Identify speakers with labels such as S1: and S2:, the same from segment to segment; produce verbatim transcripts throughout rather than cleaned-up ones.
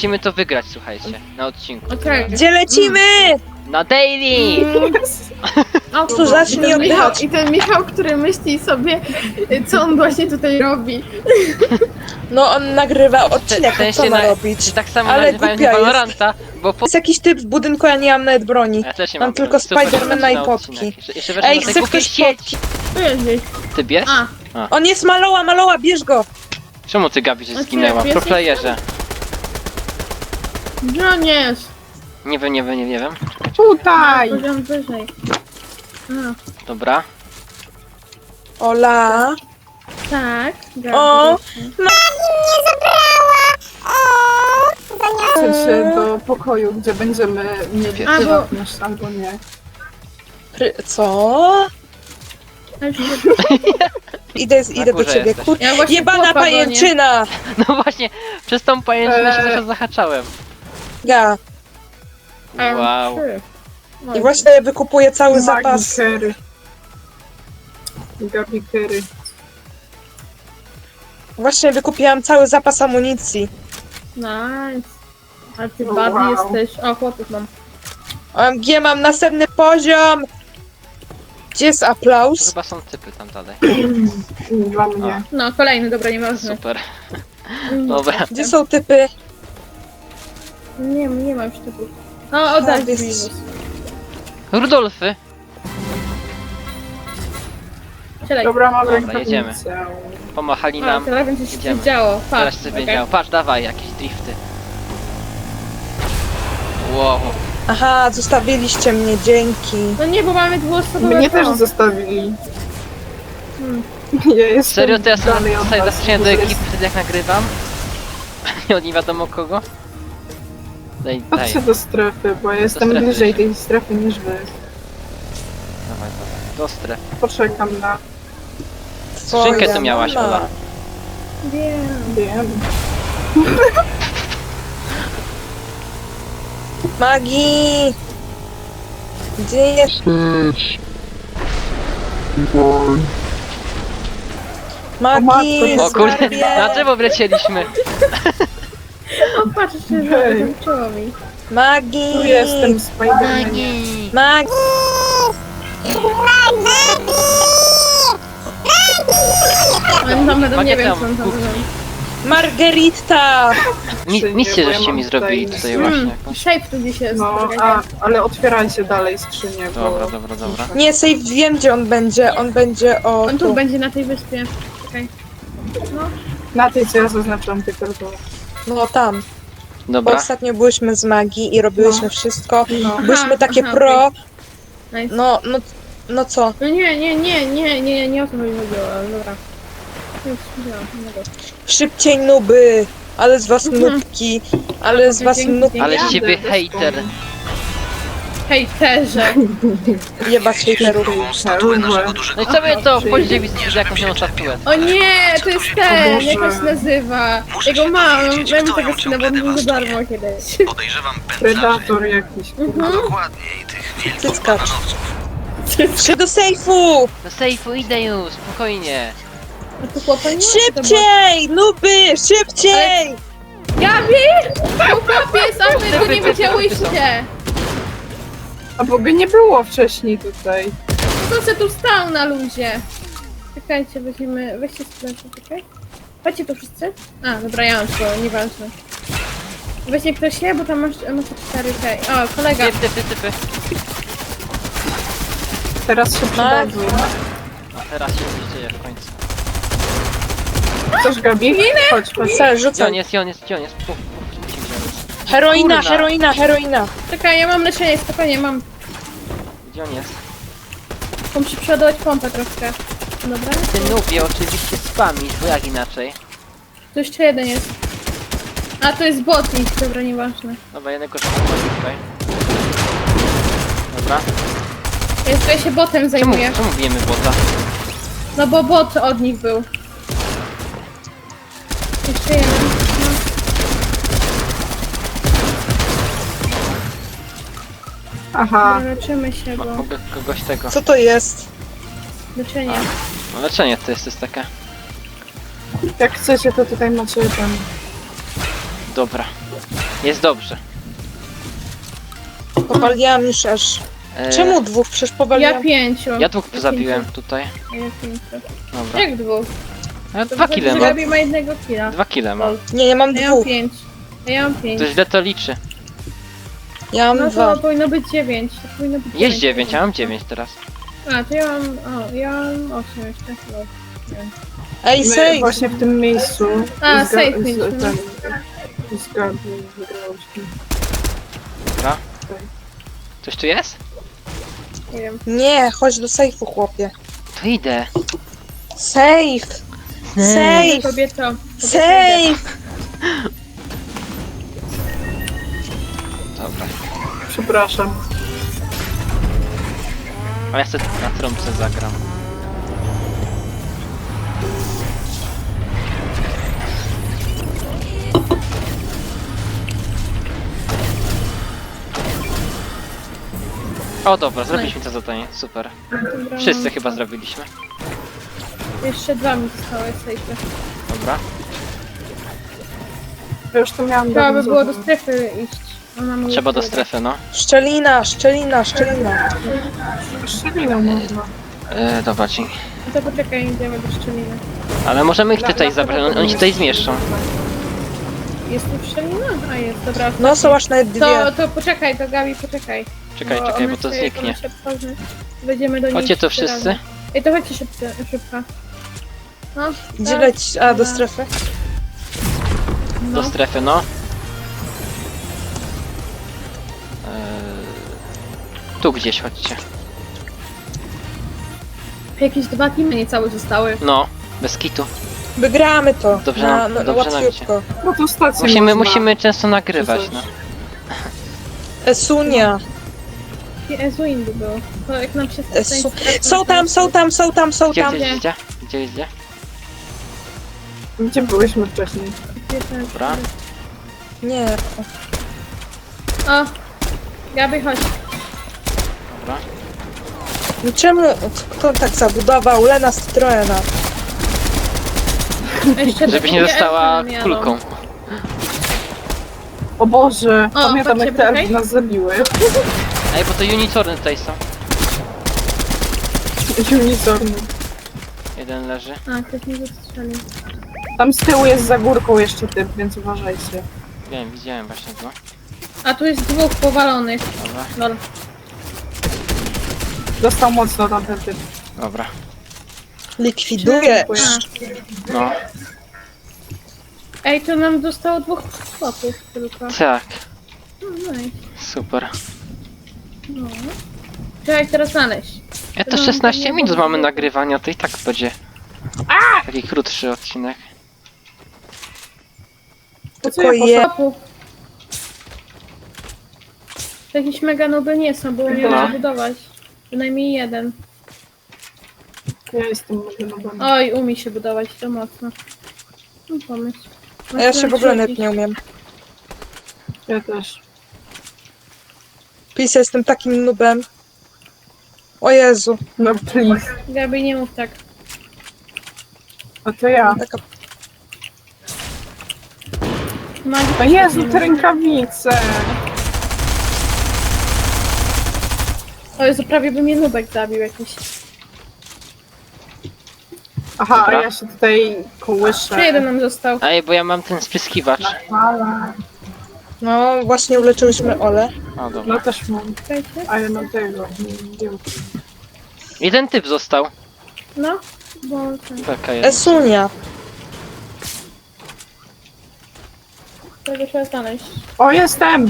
S1: musimy to wygrać, słuchajcie, na odcinku.
S2: Okej.
S3: Gdzie lecimy?
S1: Na daily!
S2: O,
S3: Tu zacznij
S2: I ten Michał,
S3: oddychać.
S2: I ten Michał, który myśli sobie, co on właśnie tutaj robi.
S3: No on nagrywa
S1: W
S3: odcinek,
S1: sensie
S3: co ma
S1: na-
S3: robić?
S1: Czy tak samo
S3: Ale
S1: nazywają
S3: głupia jest.
S1: Valoranta, bo po...
S3: Jest jakiś typ w budynku, ja nie mam nawet broni.
S1: Ja też nie
S3: Mam
S1: mam
S3: tylko
S1: super
S3: Spidermana i
S1: na
S3: potki.
S1: odcinek. Jeszcze, jeszcze weszłem
S3: Ej,
S1: na tej
S3: chce
S1: głupiej
S3: ktoś
S1: sieci.
S2: Tu jest gdzieś.
S1: Ty bierz?
S2: A,
S3: On jest maloła, maloła, bierz go!
S1: Czemu ty, Gabi, się
S2: Okej,
S1: zginęła?
S2: pies
S1: Pro
S2: jest
S1: playerze.
S2: gdzie on jest?
S1: Nie wiem, nie wiem, nie wiem.
S2: Tutaj! Poziom wyżej. A,
S1: Dobra.
S3: Ola.
S2: tak.
S3: O!
S4: Chcę się do pokoju, gdzie będziemy mieli
S2: A, bo-
S4: prywatność, albo nie.
S3: Pry... Co? Idę, idę do
S1: górze
S3: ciebie,
S1: jesteś.
S3: kur...
S2: Ja właśnie
S3: Jebana
S2: chłopa gonię.
S3: pajęczyna!
S1: No właśnie, przez tą pajęczynę się
S4: Eee.
S1: zaraz zahaczałem.
S3: Ja.
S2: Em,
S1: Wow.
S2: trzy. No
S3: I właśnie wykupuję cały
S4: Magii
S3: zapas.
S4: Kerry. Gabi Kerry.
S3: Właśnie wykupiłam cały zapas amunicji.
S2: Nice. Ale ty
S4: O,
S2: badny
S4: wow.
S2: jesteś. O, chłopów mam.
S3: O M G, mam następny poziom! Gdzie jest
S1: To
S3: aplauz?
S1: chyba są typy tam dalej.
S4: Dla mnie.
S2: No, kolejny, dobra, nieważne.
S1: Super.
S2: Mm,
S1: Dobra.
S3: Gdzie są typy?
S2: Nie, nie mam już typów. O, oddaj
S3: A, jest-
S2: Winus.
S1: Rudolfy!
S2: Siadaj.
S4: Dobra, mamy
S1: Dobra, jedziemy.
S4: tablicę.
S1: Pomachali
S2: A,
S1: nam.
S2: teraz będzie się
S1: Idziemy.
S2: coś działo. Patrz.
S1: Teraz się
S2: okej.
S1: wiedział. Patrz, dawaj jakieś drifty. Wow.
S3: Aha, zostawiliście mnie, dzięki.
S2: No nie, bo mamy dwuosobowe
S4: Mnie też
S2: to.
S4: zostawili.
S2: Hmm.
S4: Ja jestem
S1: Serio, to ja sobie
S4: dalej od
S1: tutaj
S4: was,
S1: zaczynam do
S4: bo
S1: ekipy
S4: jest-
S1: wtedy jak nagrywam. Nie od nie wiadomo kogo. Daj, daj.
S4: Chodźcie do strefy, bo ja jestem
S1: strefy
S4: bliżej
S1: lecimy.
S4: tej strefy niż wy.
S1: Dawaj, dawaj. Do strefy.
S4: Poczekam na...
S1: Skrzynkę
S3: Twoja
S1: tu miałaś,
S3: mama.
S1: Ola.
S2: Wiem.
S4: Wiem.
S3: Magii! Gdzie jest? Magii,
S4: O
S1: O kurde,
S3: skarbie!
S1: na drzewo wlecieliśmy.
S2: O, patrz, jeszcze
S4: Hej.
S2: zaliczyło mi.
S3: Magii!
S4: Tu jestem, Spidermanie.
S3: Magii!
S2: Ale tam będą, nie wiem,
S1: Magia
S2: co on tam
S1: tam,
S2: robi.
S3: Margarita!
S1: Mi,
S4: Nie,
S1: misję
S4: bo ja
S1: żeście
S4: mam
S1: mi
S4: tutaj-
S1: zrobili tutaj
S2: Hmm,
S1: właśnie. jakąś.
S2: shape tu gdzieś jest.
S4: No,
S2: czekajcie.
S4: a, ale otwierajcie dalej skrzynię, bo...
S1: Dobra, dobra, dobra.
S3: Nie, save wiem gdzie on będzie. On będzie o
S2: On tu
S3: tu.
S2: będzie na tej wyspie. Czekaj. No,
S4: Na tej, co ja zaznaczyłam tylko to.
S3: No tam. Bo
S1: Dobra.
S3: ostatnio byłyśmy z magii i robiłyśmy
S4: No.
S3: wszystko.
S4: No.
S3: Byłyśmy
S2: Aha,
S3: takie
S2: aha,
S3: pro.
S2: nice.
S3: No, no, no co?
S2: No nie, nie, nie, nie, nie, nie o to mi chodziło, ale dobra. Już widziałam, nie mogę.
S3: Szybciej nuby! Ale z was
S2: Mhm.
S3: nubki! Ale z was
S2: Dzięki,
S3: nub...
S2: dzięki.
S1: Ale z
S4: Jadę
S1: ciebie
S4: bez
S1: hejter.
S4: komu.
S2: Hejterze!
S3: Jebać hejterów.
S1: No i co mnie to? Wchodzicie widzieć jakąś nową statuę.
S2: O nie, to jest ten,
S4: Boże.
S2: jak on się nazywa. Jego mam, daj mi tego skina, bo on był za darmo kiedyś.
S5: Podejrzewam
S4: Predator jakiś.
S2: Mhm.
S5: dokładniej tych wielkich
S3: Cyckacz.
S5: bananowców.
S3: Trzy do sejfu!
S1: Do sejfu idę już, spokojnie.
S2: A tu chłopa nie ma?
S3: Szybciej! Nuby! Szybciej!
S2: Gabi! Tu chłopiec, a wy go nie widziałyście!
S4: A bo by nie było wcześniej tutaj.
S2: No to se tu stał na luzie. Czekajcie, weźmiemy, weźcie sprzęt, czekaj. Chodźcie tu wszyscy? A, dobra, ja mam to, nieważne. Weźcie ktoś się, bo tam masz, masz cztery K. O, kolega.
S1: Typy, typy, typy.
S4: Teraz się przydadzą.
S1: A teraz się coś dzieje w końcu.
S4: Chcesz, Gabi? Chodź, chodź.
S3: Sel,
S1: Gdzie on
S3: rzucaj.
S1: jest, gdzie on jest, gdzie on jest? Puf, puf, gdzie on jest?
S3: Heroina,
S1: Kurna.
S3: heroina, heroina.
S2: Czekaj, ja mam leczenie, spokojnie, mam.
S1: Gdzie on jest?
S2: Muszę przeładować pompę troszkę. Dobra.
S1: Ty nubie oczywiście spamisz, bo jak inaczej?
S2: Tu jeszcze jeden jest. A, to jest botnik, dobra, nieważne.
S1: Dobra, jednego szukam tutaj. Dobra.
S2: Ja tutaj się botem
S1: Czemu,
S2: zajmuję.
S1: czemu bijemy bota?
S2: No bo bot od nich był. Jeszcze jeden. No.
S4: Aha.
S2: Dobra, leczymy się,
S1: Ma,
S2: bo...
S1: mogę kogoś tego.
S3: Co to jest?
S2: Leczenie.
S1: No leczenie to jest, to jest takie.
S4: Jak chcecie, to tutaj macie ten...
S1: Dobra. Jest dobrze.
S3: Powaliłam już aż.
S1: E,
S3: Czemu dwóch? Przecież
S2: Ja
S3: powaliłam.
S2: pięciu.
S1: Ja dwóch
S2: Ja
S1: zabiłem
S2: pięciu.
S1: tutaj.
S2: A ja pięciu.
S1: Dobra.
S2: Jak dwóch?
S1: Ja
S2: To
S1: dwa
S2: wychodzi,
S1: kile
S2: że
S1: mam.
S2: Gabi ma jednego killa.
S1: Dwa kile mam.
S3: Nie, ja mam
S2: A ja mam
S3: dwóch.
S2: pięć. A ja mam pięć.
S1: To źle to liczy.
S3: Ja mam
S2: No
S3: dwa.
S2: to powinno być dziewięć. To powinno być
S1: Jest dziewięć, ja mam dziewięć teraz.
S2: A, to ja mam... O, ja mam osiem jeszcze. No, nie wiem.
S3: Ej,
S4: My
S3: save!
S4: właśnie w tym miejscu.
S2: A,
S4: z Ga-
S2: safe
S4: z-
S2: mieliśmy, no.
S4: ten- Z Gabi wygrałyśmy.
S1: Dobra. Coś tu jest?
S2: Nie wiem.
S3: Nie, chodź do sejfu, chłopie.
S1: To idę.
S3: Safe! Safe!
S2: Kobieto. kobieto
S3: Safe!
S1: Dobra.
S4: Przepraszam.
S1: A ja sobie na trąbce zagram. O dobra, zrobiliśmy to zadanie, super.
S2: Dobra,
S1: Wszyscy
S2: mam-
S1: chyba zrobiliśmy.
S2: Jeszcze dwa mi zostały sejfy.
S1: Dobra.
S4: Ja już to miałam
S2: Trzeba by
S4: dawno
S2: było do
S4: zrobione.
S2: strefy iść. Ona mówi,
S1: Trzeba do
S2: że-
S1: strefy, no.
S3: Szczelina, szczelina, szczelina.
S4: Szczeliną można.
S1: E, dobra, dzięki.
S2: No to poczekaj, idziemy do szczeliny.
S1: Ale możemy ich tutaj zabrać, on- oni się tutaj zmieszczą.
S2: Jest tu szczelina? A jest, dobra.
S3: No, są aż nawet dwie.
S2: To, to poczekaj, to Gabi, poczekaj.
S1: Czekaj, czekaj,
S2: one
S1: bo to
S2: się-
S1: zniknie.
S2: one się otworzy. Wejdziemy do nich.
S1: Chodźcie tu
S2: trzy
S1: wszyscy.
S2: razy. Ej, to chodźcie szybko. szybko. No,
S3: Gdzie
S2: tak,
S3: leci? A, do
S2: dobra.
S3: strefy?
S1: Do
S2: No.
S1: strefy, no. E, tu gdzieś chodźcie.
S2: Jakieś dwa teamy niecałe zostały.
S1: No, bez kitu.
S3: Wygramy to.
S1: Dobrze
S3: na,
S1: nam-
S3: na, na
S1: dobrze nam
S3: łatwiutko.
S4: No to stację
S1: Musimy,
S4: można.
S1: musimy często nagrywać, no.
S3: Esunia.
S2: I Ezuin by było. To jak nam się
S3: Esu... Są tam, są tam, są tam, są
S1: Gdzie,
S3: tam.
S1: gdzie, gdzie? Gdzie, gdzie?
S4: Gdzie byłyśmy wcześniej?
S1: Dobra.
S3: Nie.
S2: O! Gabi, chodź.
S1: Dobra.
S3: No czemu? Kto tak zabudował? Lena Citroena.
S2: Jeszcze
S1: Żebyś nie
S2: takie
S1: została
S2: elfy jadą.
S1: kulką.
S4: O Boże,
S2: O,
S4: pamiętam
S2: patrzcie,
S4: jak te elfy
S2: poczekaj.
S4: nas zabiły.
S1: Ej, bo to unicorny tutaj są.
S4: Unicorny.
S1: Jeden leży.
S2: A, ktoś mnie zastrzelił.
S4: Tam z tyłu jest za górką jeszcze typ, więc uważajcie.
S1: Wiem, widziałem właśnie go.
S2: A tu jest dwóch powalonych.
S1: Dobra,
S2: Lol.
S4: Dostał mocno tamten typ.
S1: dobra.
S3: Likwiduje.
S2: A.
S1: No,
S2: Ej, to nam zostało dwóch chłopów tylko.
S1: tak.
S2: No, nice.
S1: Super.
S2: No. Trzeba ich teraz znaleźć.
S1: Ja to
S2: No,
S1: szesnaście
S2: nie
S1: minut
S2: było.
S1: mamy nagrywania, to i tak będzie taki krótszy odcinek.
S4: To co
S3: Tylko
S4: ja
S3: je-
S4: poszłam?
S2: Chłopów. To jakieś mega nuby nie są, bo umiem
S1: No.
S2: zabudować. Przynajmniej jeden.
S4: Ja jestem może na bank.
S2: Oj, umie się budować, to mocno. No pomysł.
S3: A ja się w ogóle nawet
S2: rzucić.
S3: nie umiem.
S4: Ja też.
S3: Pisa, jestem takim nubem. O Jezu.
S4: No please.
S2: Gabi, nie mów tak.
S4: A to ja.
S3: Taka...
S2: Magii
S4: O
S2: też
S4: Jezu,
S2: tak nie
S4: te
S2: mów.
S4: rękawice!
S2: O Jezu, prawie by mnie nubek zabił jakiś.
S4: Aha,
S1: Dobra.
S4: a ja się tutaj kołyszę.
S2: Jeszcze jeden nam został.
S1: Ej, bo ja mam ten spryskiwacz.
S4: Fala.
S3: No, właśnie uleczyłyśmy Ole.
S1: O, dobra.
S4: No też mam.
S2: Czekajcie.
S4: A ja mam tego. Nie wiem.
S1: Jeden typ został.
S2: No, bo ten,
S1: Beka jeden.
S3: Esunia.
S2: tego trzeba znaleźć.
S4: O, jestem!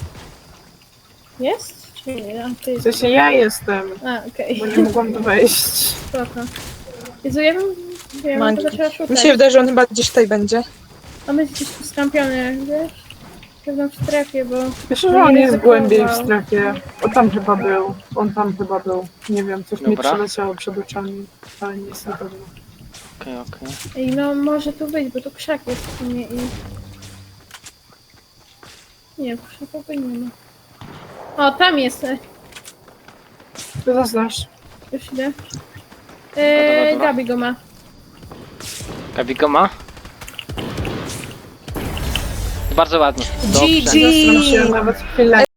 S2: Jest? Czy nie? A, ty
S4: W sensie ja jestem,
S2: A, okej.
S4: bo nie mogłam tu wejść.
S2: Spoko. Jezu, ja bym... Ja bym
S3: Magii.
S2: to zaczęła
S3: Mi
S2: szukać.
S3: się wydaje, że on chyba gdzieś tutaj będzie.
S2: A my gdzieś tu skampiony, wiesz? Pewno w strefie, bo...
S4: Wiesz, że
S2: Nie
S4: on jest
S2: ryzykował.
S4: głębiej w strefie. O, tam chyba był. On tam chyba był. Nie wiem, coś mi
S1: Dobra.
S4: przeleciało przed oczami, ale nie jest na pewno.
S1: Okej, okej.
S2: Ej, no może tu być, bo tu krzak jest w sumie i... Nie, krzakowy nie ma. O, tam jest! e,
S4: Ty zaznasz.
S2: Już idę. Eee,
S1: dobra.
S2: Gabi go ma.
S1: Gabi go ma? Bardzo ładnie. Dobrze.
S3: G G.
S4: Zastanawiam się nawet chwilę.